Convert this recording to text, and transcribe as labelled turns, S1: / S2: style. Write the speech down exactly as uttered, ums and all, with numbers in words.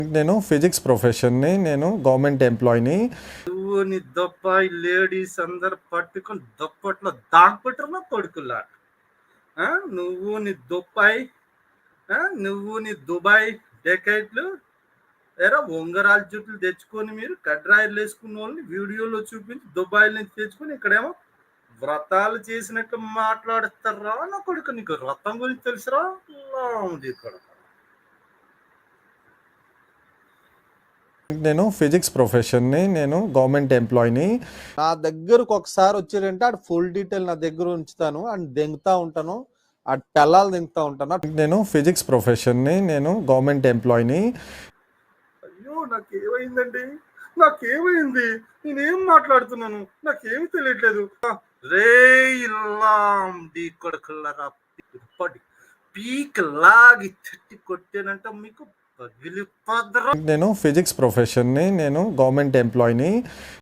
S1: నేను ఫిజిక్స్ ప్రొఫెషన్‌ని. నేను గవర్నమెంట్ ఎంప్లాయ్‌ని.
S2: నువ్వు నీ దొబ్బాయి లేడీస్ అందరు పట్టుకొని దుప్పట్లో దాక్పెట్టరు నా కొడుకుల్లాట. ఆ? నువ్వు నీ దొబ్బాయి ఆ? నువ్వు నీ దుబాయ్ డెకైట్లు ఎరా ఉంగరాల జుట్లు తెచ్చుకొని మీరు కడ్రాయిలు వేసుకున్న వాళ్ళని వీడియోలో చూపించి దుబాయ్ నుంచి తెచ్చుకొని ఇక్కడేమో వ్రతాలు చేసినట్టు మాట్లాడుతారా నా కొడుకు. నీకు వ్రతం గురించి తెలుసురా ఉంది ఇక్కడ.
S1: నేను ఫిజిక్స్ ప్రొఫెషన్‌ని. నేను గవర్నమెంట్ ఎంప్లాయ్‌ని.
S3: నా దగ్గరకు ఒకసారి వచ్చారంటే ఆడు ఫుల్ డీటెయిల్ నా దగ్గర ఉంచుతాను అండ్ దెంగుతా ఉంటాను. ఆ టెల్లాలు దింగుతా ఉంటాను.
S1: నేను ఫిజిక్స్ ప్రొఫెషన్‌ని. నేను గవర్నమెంట్ ఎంప్లాయ్‌ని.
S2: అయ్యో నాకేమైందండి, నాకేమైంది, నేనేం మాట్లాడుతున్నాను, నాకేమి తెలియట్లేదు. రే ఇల్లాం దీ కొడుకులరా, పీక్ లాగి తట్టి కొట్టానంట మీకు పగిలిపోద్దరా.
S1: నేను ఫిజిక్స్ ప్రొఫెషన్‌ని. నేను గవర్నమెంట్ ఎంప్లాయ్‌ని.